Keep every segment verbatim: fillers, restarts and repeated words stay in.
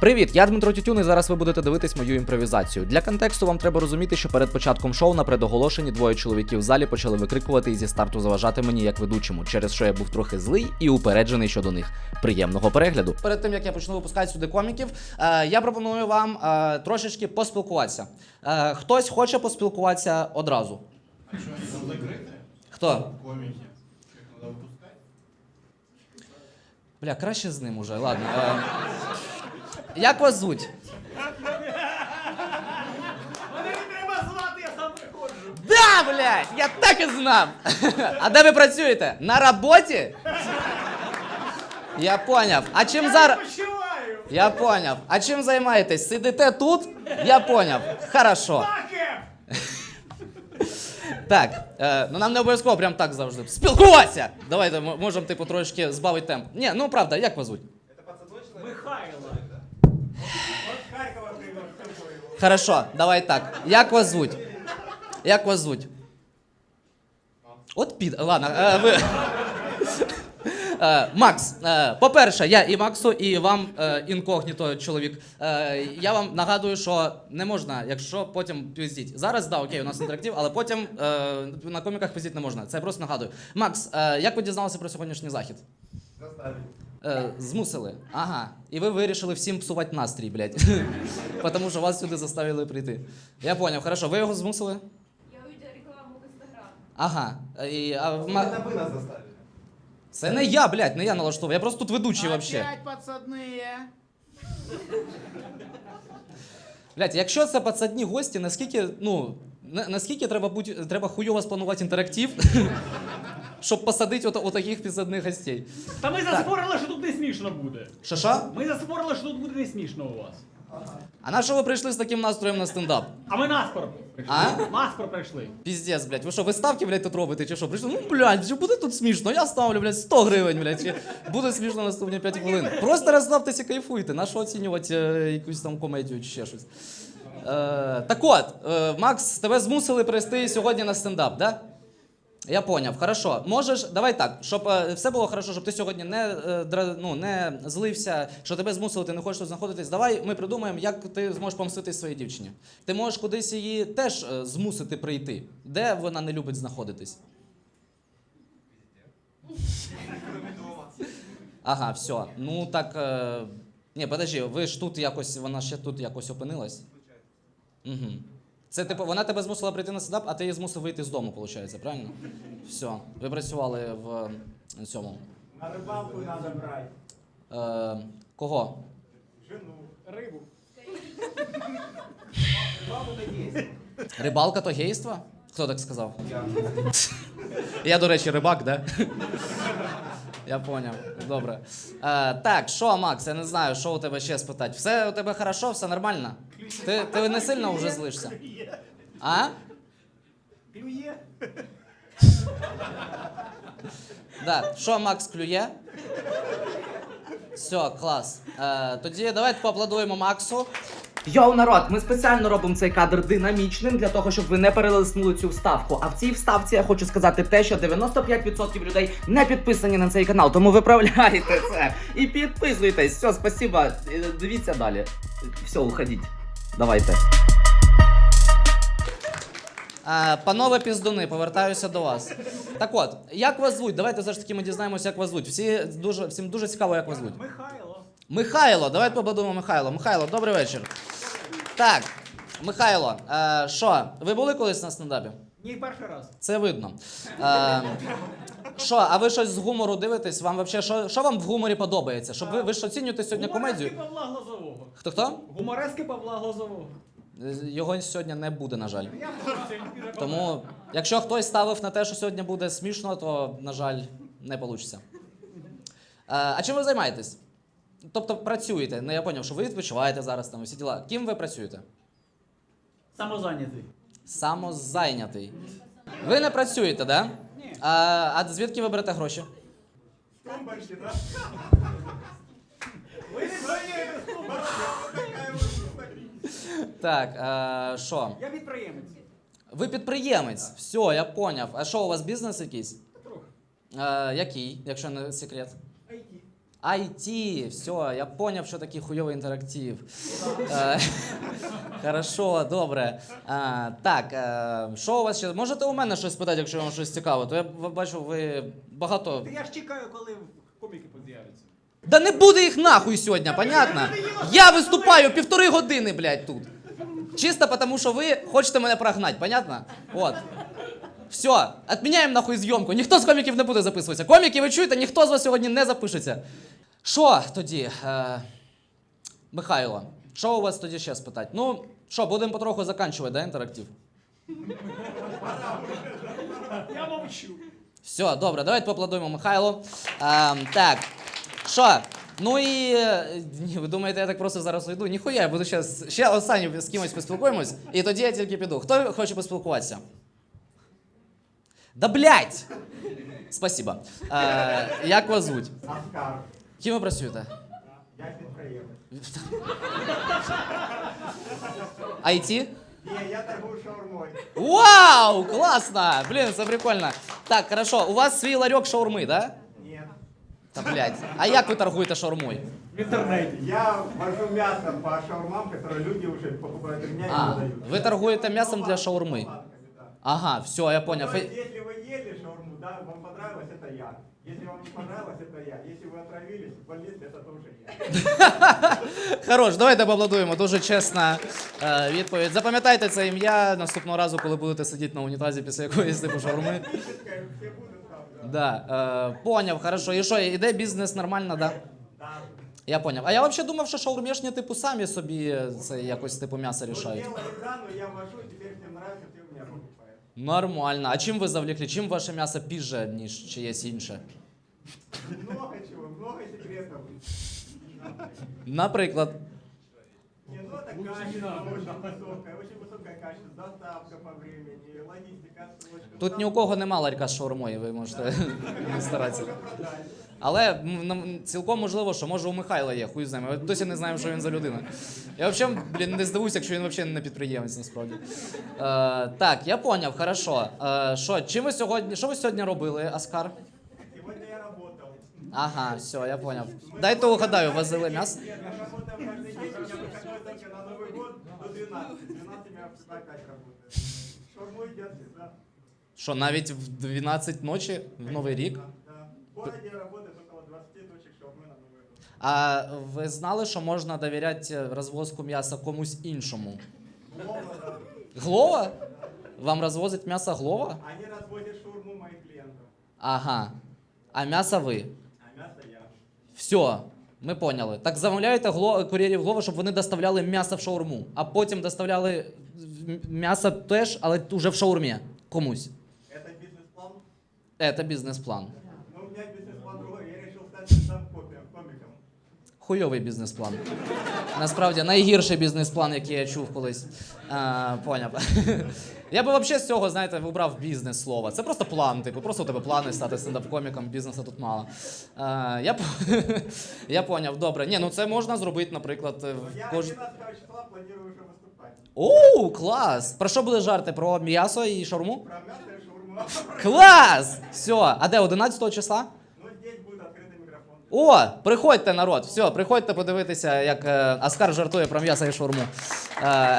Привіт, я Дмитро Тютюн, і зараз ви будете дивитись мою імпровізацію. Для контексту вам треба розуміти, що перед початком шоу на предоголошенні двоє чоловіків в залі почали викрикувати і зі старту заважати мені як ведучому, через що я був трохи злий і упереджений щодо них. Приємного перегляду. Перед тим, як я почну випускати сюди коміків, е, я пропоную вам е, трошечки поспілкуватися. Е, хтось хоче поспілкуватися одразу? А що, там закрите? Хто? Коміки. Їх треба випускати? Бля, краще з ним уже, ладно. Е, як вас звуть? Мене не треба звати, я сам приходжу. Да, блядь, я так і знав. А де ви працюєте? На роботі? Я поняв. А чим Я зараз... відпочиваю. Я поняв. А чим займаєтесь? Сидите тут? Я поняв. Хорошо. Таке. Так, е, ну нам не обов'язково прям так завжди. Спілкуватися! Давайте м- можемо, типу, трошки збавити темп. Ні, ну правда, як вас звуть? Михайло. От Харкова привез. Хорошо, давай так. Як вас звуть? Як вас звуть? От під... Ладно, е, ви... Е, Макс, е, по-перше, я і Максу, і вам е, інкогніто, чоловік. Е, я вам нагадую, що не можна, якщо потім пиздіть. Зараз, да, окей, у нас інтерактив, але потім е, на коміках пиздіть не можна. Це я просто нагадую. Макс, е, як ви дізналися про сьогоднішній захід? Заставили. Е, змусили. Ага. І ви вирішили всім псувати настрій, блядь. Тому що вас сюди заставили прийти. Я поняв, хорошо. Ви його змусили? Я увидела рекламу в Инстаграм. Ага. І, а, Це ма... ви нас заставили. Це не я, блядь, не я налаштовую. Я просто тут ведучий вообще. Опять подсадные. Блядь, якщо це пацадні гості, наскільки, ну, на, наскільки треба бути, треба хуйово спланувати інтерактив, щоб посадити от, отаких підсадних гостей. Та ми заспорили, що тут не смішно буде. Що що? Ми заспорили, що тут буде не смішно у вас. А на що ви прийшли з таким настроєм на стендап? А ми наспор прийшли. А? Наспор прийшли. Піздець, блядь, ви що, ви ставки, блядь, тут робите, чи що? Прийшли, ну, блядь, чи буде тут смішно? Я ставлю, блядь, сто гривень, блядь, чи буде смішно наступні п'ять хвилин. Просто розслабтеся, кайфуйте, на що оцінювати е, якусь там комедію чи ще щось. Е, так от, е, Макс, тебе змусили прийти сьогодні на стендап, да? Я поняв, хорошо. Можеш, давай так, щоб е, все було хорошо, щоб ти сьогодні не, е, дра, ну, не злився, що тебе змусили, ти не хочеш тут знаходитись. Давай ми придумаємо, як ти зможеш помстити своїй дівчині. Ти можеш кудись її теж е, змусити прийти. Де вона не любить знаходитись? Ага, все. Ну так. Е... Ні, подожди, ви ж тут якось, вона ще тут якось опинилась? Угу. Це типу, вона тебе змусила прийти на стендап, а ти її змусив вийти з дому, виходить, правильно? Все. Ви працювали в е, цьому. На рибалку треба брати. Е, кого? Жену. Рибу. Рибалка то гейство? Хто так сказав? Я, до речі, рибак, да? Я поняв. Добре. Е, так, що, Макс, я не знаю, що у тебе ще спитати. Все у тебе хорошо, все нормально? Ти, ти не сильно вже злишся? А? Клює. Да. Що, Макс, клює? Все, клас. Е, тоді давайте поаплодуємо Максу. Йоу, народ, ми спеціально робимо цей кадр динамічним для того, щоб ви не перелиснули цю вставку. А в цій вставці я хочу сказати те, що дев'яносто п'ять відсотків людей не підписані на цей канал, тому виправляйте це і підписуйтесь. Все, спасибо. Дивіться далі. Все, уходіть. Давайте. А, панове піздуни, повертаюся до вас. Так от, як вас звуть? Давайте все ж таки ми дізнаємося, як вас звуть. Всі дуже, всім дуже цікаво, як вас звуть. Михайло. Михайло, давайте побудуємо Михайло. Михайло, добрий вечір. Так, Михайло, е, що, ви були колись на стендапі? Ні, перший раз. Це видно. Е, Що, а ви щось з гумору дивитесь? Вам вообще, що, що вам в гуморі подобається? Щоб ви, ви ж оцінюєте сьогодні комедію? Гуморески Павла Глазового. Хто-хто? Гуморески Павла Глазового. Його сьогодні не буде, на жаль. Я в Тому, якщо хтось ставив на те, що сьогодні буде смішно, то, на жаль, не вийде. А чим ви займаєтесь? Тобто працюєте. Ну, я зрозумів, що ви відпочиваєте зараз, там, всі діла. Ким ви працюєте? Самозайнятий. Самозайнятий. Ви не працюєте, да? Ні. А, а звідки ви берете гроші? Тумбочки, так? Ви не зайняєте стумбочки. Так, а, що? Я підприємець. Ви підприємець. Все, я поняв. А що, у вас бізнес якийсь? Трохи. А, який, якщо не секрет? Ай ті. ай ті, все, я поняв, що такий хуйовий інтерактив. Е, Хорошо, добре. А, так, е, що у вас ще? Можете у мене щось питати, якщо вам щось цікаво? То я б- бачу, ви багато. Та я ж чекаю, коли коміки з'являться. Да не буде їх нахуй сьогодні, понятно? Я виступаю півтори години, блядь, тут. Чисто тому, що ви хочете мене прогнати, понятно? От. Все, відміняємо нахуй зйомку. Ніхто з коміків не буде записуватися. Коміки, ви чуєте, ніхто з вас сьогодні не запишеться. Що тоді, е, Михайло, що у вас тоді ще спитати? Ну, що, будемо потроху закінчувати, да, інтерактив? Я мовчу. Все, добре, давайте поаплодуємо Михайлу. Ем, так, що? Ну і е, ні, ви думаєте, я так просто зараз уйду? Ніхуя, я буду ще, ще останнім з кимось поспілкуємось, і тоді я тільки піду. Хто хоче поспілкуватися? Да блять! Спасибо. Е, як вас звуть? Оскар. Ким ви працюєте? Я підприємець. ай ті? Ні, я торгую шаурмою. Вау! Классно! Блин, це прикольно. Так, хорошо, у вас свій ларьок шаурми, да? Ні. Та блять. А як ви торгуєте шаурмою? В інтернеті. Я вожу мясо по шаурмам, которые люди уже покупают у меня и А, продают. ви торгуєте м'ясом для шаурми. Да. Ага, все, я понял. То есть, если вы ели шаурму, да, вам понравилось, это я. Если вам не понравилось, это я. Если вы отравились, в больнице, это тоже я. Хорош, давайте поаплодуємо. Дуже чесна е, відповідь. Запам'ятайте це ім'я наступного разу, коли будете сидіти на унітазі після якоїсь типу шаурми. Физическое, все будут там, да. Да, е, поняв, хорошо. І що, іде бізнес нормально, да? Да. Я поняв. А я взагалі думав, що шаурмішні типу самі собі це якось типу м'ясо Вот рішають. делали экрану, я вожу, теперь всем нравится, все у меня покупают. Нормально. А чим ви завлекли? Чим ваше м'ясо піже, ніж чиєсь інше? Много чего, много секретов. Наприклад. Не, ну это качество очень высокое, очень высокое качество, доставка по времени, логистика, отсрочка. Тут ні у кого нема ларька з шаурмою, ви можете не старатися. Але м, нам цілком можливо, що може у Михайла є, хуй знає. Ми досі не знаємо, що він за людина. Я взагалі, блін, не здивуюся, якщо він взагалі не підприємець, насправді. Е, так, я поняв, хорошо. Е, що, чим ви сьогодні, що ви сьогодні робили, Оскар? Сегодня я работал. Ага, все, я поняв. Дайте угадаю, возили м'ясо? Нет, я работаю каждый день, у меня выходной только на Новый год до двенадцати. двенадцати у меня опять работает. Шаурму едят всегда. Що, навіть в дванадцять ночі, в Новий рік? Да, да. В городе работает около двадцати точек шаурмы на Новый год. А ви знали, що можна довіряти розвозку м'яса комусь іншому? Глова, да. Глова? Вам розвозить м'ясо Глова? Они разводят шаурму моих клиентов, Ага. А м'ясо ви? а мясо я. Все, ми поняли. Так замовляєте гло... кур'єрів Глова, щоб вони доставляли м'ясо в шаурму, а потім доставляли м- м'ясо теж, але уже в шаурмі комусь. Это бизнес-план? Це бізнес-план. Ну, у меня бизнес-план другой. Я решил стать стендап-комиком. Хуйовий бізнес-план. Насправді найгірший бізнес-план, який я чув колись. А, поняв. Я би взагалі з цього, знаєте, вибрав бізнес слово. Це просто план, типу, просто у тебе плани стати стендап-коміком, бізнесу тут мало. А, я, по- я поняв, добре. Ні, ну це можна зробити, наприклад, Но в я кож... одиннадцатого числа планирую уже выступать. Оу, клас! Про що були жарти? Про м'ясо і шаурму? Про мясо и шаурму. Клас! Все, а де, одинадцятого числа? Ну, здесь будет открытый микрофон. О, приходьте, народ. Все, приходьте подивитися, як е, Оскар жартує про м'ясо і шаурму. Е,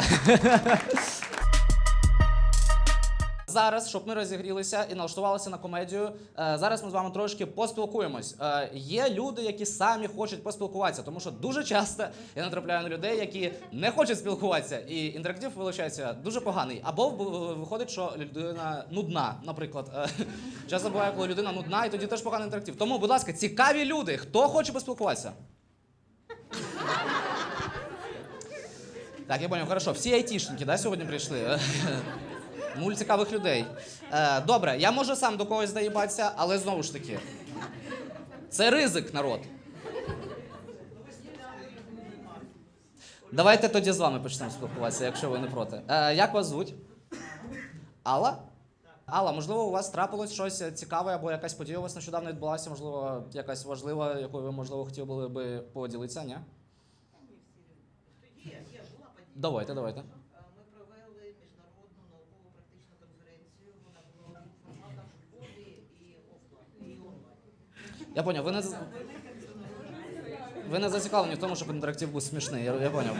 Зараз, щоб ми розігрілися і налаштувалися на комедію, е, зараз ми з вами трошки поспілкуємось. Е, Є люди, які самі хочуть поспілкуватися, тому що дуже часто я натрапляю на людей, які не хочуть спілкуватися, і інтерактив виходить дуже поганий. Або в- виходить, що людина нудна, наприклад. Е, Часто буває, коли людина нудна, і тоді теж поганий інтерактив. Тому, будь ласка, цікаві люди, хто хоче поспілкуватися? Так, я понял, хорошо. Всі айтішники, да, сьогодні прийшли? Нуль цікавих людей. Е, добре, я можу сам до когось доїбатися, але знову ж таки. Це ризик, народ. Давайте тоді з вами почнемо спілкуватися, якщо ви не проти. Е, як вас звуть? Алла? Алла, можливо, у вас трапилось щось цікаве або якась подія у вас нещодавно відбулася, можливо, якась важлива, якою ви, можливо, хотіли були би поділитися, ні? Є, є, була подія. Давайте, давайте. Е, Ми провели міжнародну науково-практичну конференцію. Вона була у двох форматах: в ході і офлайн, і онлайн. Я поняв, ви не... з- ви не зацікавлені в тому, щоб інтерактив був смішний, я, я поняв.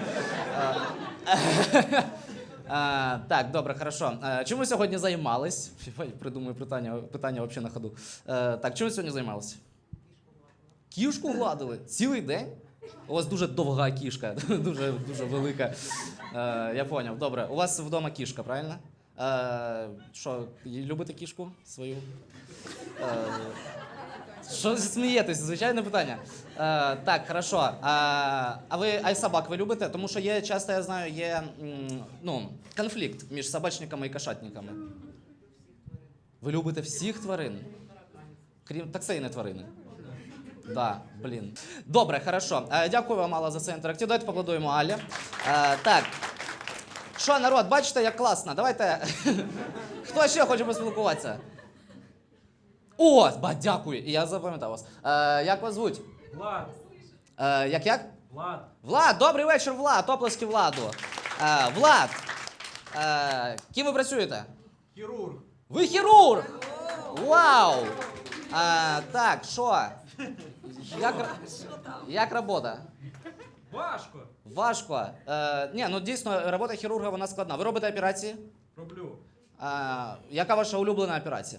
А, так, добре, хорошо. А, чим ви сьогодні займались? Придумую питання, питання взагалі на ходу. А, так, чим ви сьогодні займалися? Кішку гладили? Цілий день? У вас дуже довга кішка, дуже, дуже велика. А, я поняв, добре. У вас вдома кішка, правильно? А, що, любите кішку свою? А, що смієтесь? Звичайне питання. А, так, хорошо. А, а ви а собак ви любите? Тому що є, часто я знаю, є м, ну, конфлікт між собачниками і кошатниками. Ви любите всіх тварин? Крім так це і не тварини. Да, блін. Добре, хорошо. Е, дякую вам, Алла, за цей інтерактив. Давайте поаплодуємо Аллі. Е, так. Що, народ, бачите, як класно? Давайте. Хто ще хоче поспілкуватися? О, ба, дякую. Я запам'ятав вас. Е, як вас звуть? Влад, Е, як як? Влад, Влад, добрий вечір, Влад. Оплески Владу. Е, Влад. Е, ким ви працюєте? хірург. Ви хірург! Вау! А, так, що? Як, як робота? Важко. Важко. Е, ні, ну дійсно, робота хірурга вона складна. Ви робите операції? Роблю. А, яка ваша улюблена операція?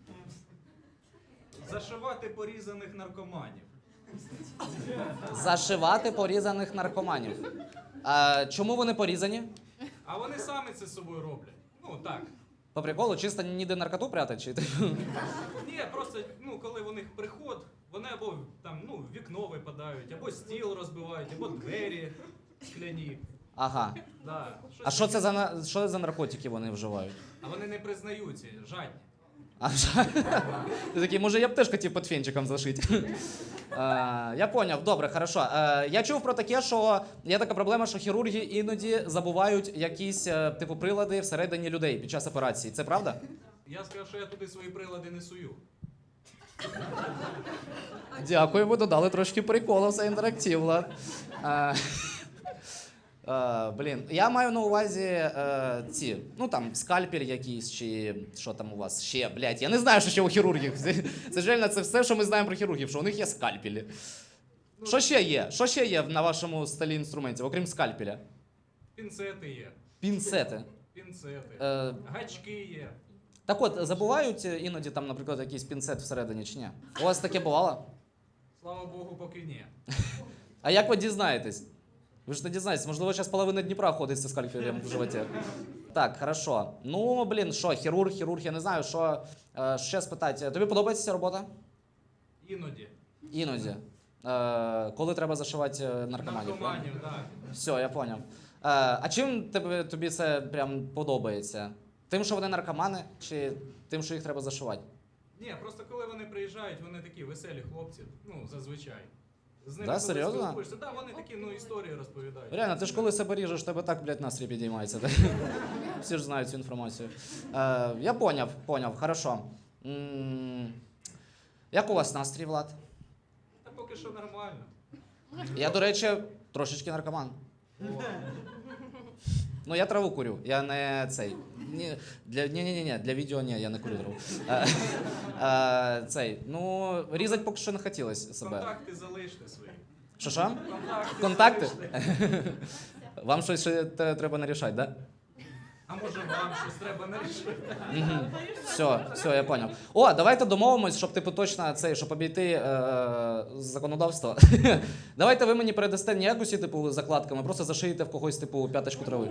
Зашивати порізаних наркоманів. Зашивати порізаних наркоманів. А, чому вони порізані? А вони самі це з собою роблять. Ну так. По приколу, чисто ніде наркоту прятать? Чи? Ні, просто ну, коли у них приход, вони або там ну, в вікно випадають, або стіл розбивають, або двері скляні. Ага. Да. А що це за, на- що за наркотики вони вживають? А вони не признаються, жадні. А що? Ти такий, може я б теж хотів під фенчиком зашити. Е, я поняв, добре, хорошо. Е, я чув про таке, що є така проблема, що хірурги іноді забувають якісь е, типу прилади всередині людей під час операції. Це правда? Я сказав, що я туди свої прилади не сую. Дякую, ви додали трошки приколу в цей інтерактив, Влад. Е, е, блін, я маю на увазі е, ці, ну там, скальпель якийсь, чи що там у вас ще, блядь, я не знаю, що ще у хірургів. Це, це ж реально це все, що ми знаємо про хірургів, що у них є скальпелі. Що ще є? Що ще є на вашому столі інструментів, окрім скальпеля? Пінцети є. Пінцети. Пінцети. Е, Гачки є. так от, забувають іноді там, наприклад, якийсь пінцет всередині чи ні? У вас таке бувало? Слава Богу, поки ні. А як ви дізнаєтесь? Ви ж не дізнаєтесь, можливо, зараз половина Дніпра ходить зі скальпелем в животі. Так, хорошо. Ну, блін, що, хірург, хірург, я не знаю, що е, ще спитати. Тобі подобається ця робота? Іноді. Іноді. Е, коли треба зашивати е, наркоманів? Наркоманів, так. Все, я поняв. Е, а чим тебе, тобі це прям подобається? Тим, що вони наркомани, чи тим, що їх треба зашивати? Ні, просто коли вони приїжджають, вони такі веселі хлопці, ну, зазвичай. З ними Да, коли серйозно? спілкуєшся, да, вони такі, ну, історії розповідають. Реально, ти ж коли себе ріжеш, тебе так, блядь, настрій підіймається. Всі ж знають цю інформацію. Е, я поняв, поняв, хорошо. М, Як у вас настрій, Влад? Та поки що нормально. Я, до речі, трошечки наркоман. Ну, я траву курю, я не цей. Ні, для, ні, ні, ні, ні, для відео ні, я не курю траву. Е, е, цей, ну, різати поки що не хотілося себе. Контакти залиште свої. Що що? Контакти, Контакти? залиште. Вам щось ще те- треба нарішати, так? Да? А може вам щось треба нарішити? Угу. Все, все, я понял. О, давайте домовимось, щоб типу точно цей, щоб обійти е, законодавство. Давайте ви мені передасте не якось типу закладками, просто зашиєте в когось типу п'яточку трави.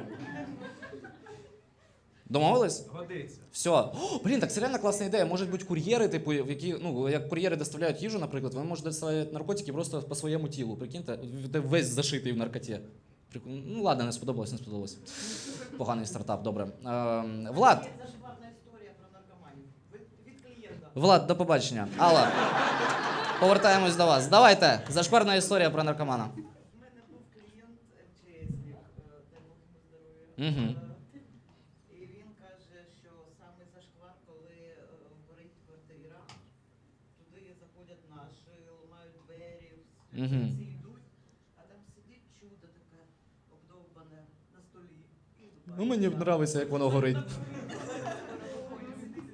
Домовились? Годиться. Все. О, блін, так це реально класна ідея. Можуть бути кур'єри, типу, в які, ну, як кур'єри доставляють їжу, наприклад, вони можуть доставляти наркотики просто по своєму тілу. Прикиньте, ти весь зашитий в наркоті. Прикольно. Ну ладно, не сподобалось, не сподобалось. Поганий стартап, добре. Е, Влад, Є зашиварна історія про наркоманів. Від, від клієнта. Влад, до побачення. Алла, повертаємось до вас. Давайте, зашкварна історія про наркомана. У мене був клієнт МЧСник, дай Бог йому здоров'я. Мгм. Е, І він каже, що саме зашквар, коли е, горить квартира, туди заходять наші, ламають двері, Мгм. всі йдуть, а там сидить чудо таке обдовбане на столі. Ну, мені подобається, як воно горить.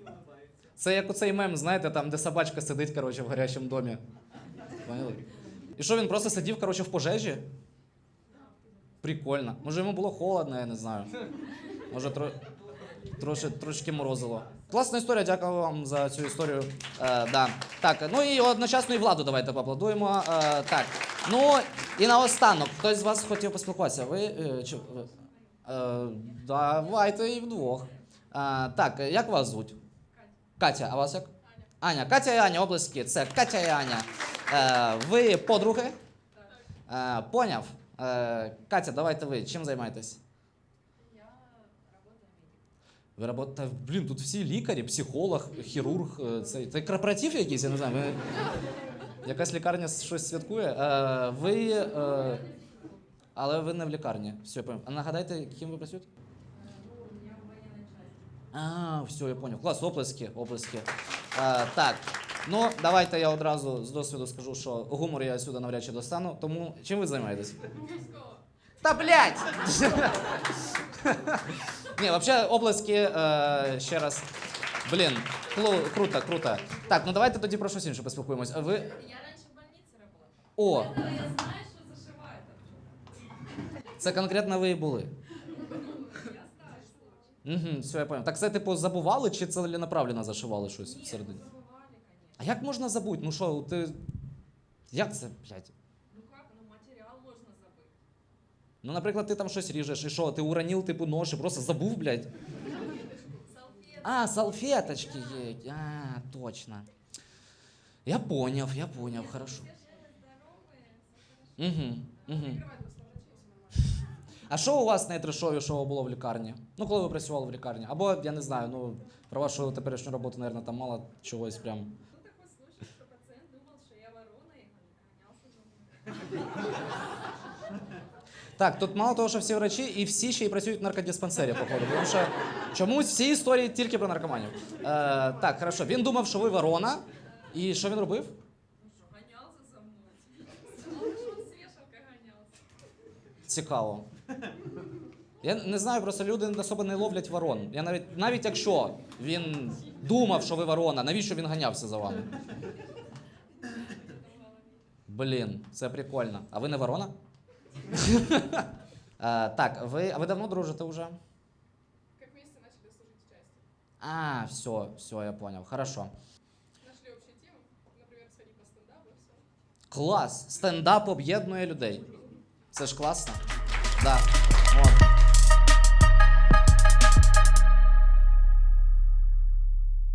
Це як оцей мем, знаєте, там, де собачка сидить, коротше, в гарячому домі. Поняли? І що він просто сидів, коротше, в пожежі? Прикольно. Може йому було холодно, я не знаю. Може тро... трошки, трошки морозило. Класна історія, дякую вам за цю історію. Е, да. Так, ну і одночасно і владу давайте поаплодуємо. Е, так. Ну і наостанок, хтось з вас хотів поспілкуватися. Ви. Е, чи, ви? Е, давайте і вдвох. Е, так, як вас звуть? Катя, а вас як? Аня. Катя і Аня, облески. Це Катя і Аня. Е, ви подруги? Е, поняв. Е, Катя, давайте ви. Чим займаєтесь? Я работаю медиком. Ви робота, блін, тут всі лікарі, психолог, хірург. е, Це, це корпоратив якийсь, я не знаю. Ви... Якась лікарня щось святкує. Е, ви. Е, але ви не в лікарні. Все, я поняв. А нагадайте, ким ви працюєте? Ну, я в военной части. А, все, я понял. Клас, оплески, оплески. А, так, ну давайте я одразу з досвіду скажу, що гумор я сюди навряд чи достану. Тому чим ви займаєтесь? Та блядь! Ні, взагалі оплески е, ще раз. Блін, клу- круто, круто. Так, ну давайте тоді про щось інше поспілкуємось. А ви. Я раньше в больнице работала. О, Поэтому я знаю, что зашивает вообще. це конкретно ви і були. Я знаю, что. Угу, все, я понял. Так це, типу, забували чи целенаправленно зашивали щось Нет, всередині? забывали, конечно. А як можна забути? Ну що, ти. Як це, блядь? Ну как, ну материал можно забыть. Ну, наприклад, ти там щось ріжеш, і що, ти уронив, типу, нож і просто забув, блядь? Салфетки. А, салфеточки є. А, точно. Я поняв, я поняв, хорошо. Все же здоровые, всё хорошо. Угу, угу. А що у вас найтрешовішого було в лікарні? Ну, коли ви працювали в лікарні? Або, я не знаю, ну, про вашу теперішню роботу, мабуть, там мало чогось прям. Был такой случай, что пациент думал, что я ворона и гонялся за мной. Так, тут мало того, що всі врачі, і всі ще й працюють в наркодиспансері, походу. Тому що чомусь всі історії тільки про наркоманів. Е, так, хорошо. Він думав, що ви ворона. І що він робив? Ну что, гонялся за мной. Сказал, что он с вешалкой гонялся. Цікаво. Я не знаю, просто люди особо не ловлять ворон. Я навіть, навіть якщо він думав, що ви ворона, навіщо він ганявся за вами? Блін, це прикольно. А ви не ворона? Е, так, ви, а ви давно дружите вже? Как вместе начали служить в части. А, все, все, я понял. Хорошо. Нашли общую тему, например, сходить по стендапу и все. Клас! Стендап об'єднує людей. Це ж класно. Да. От.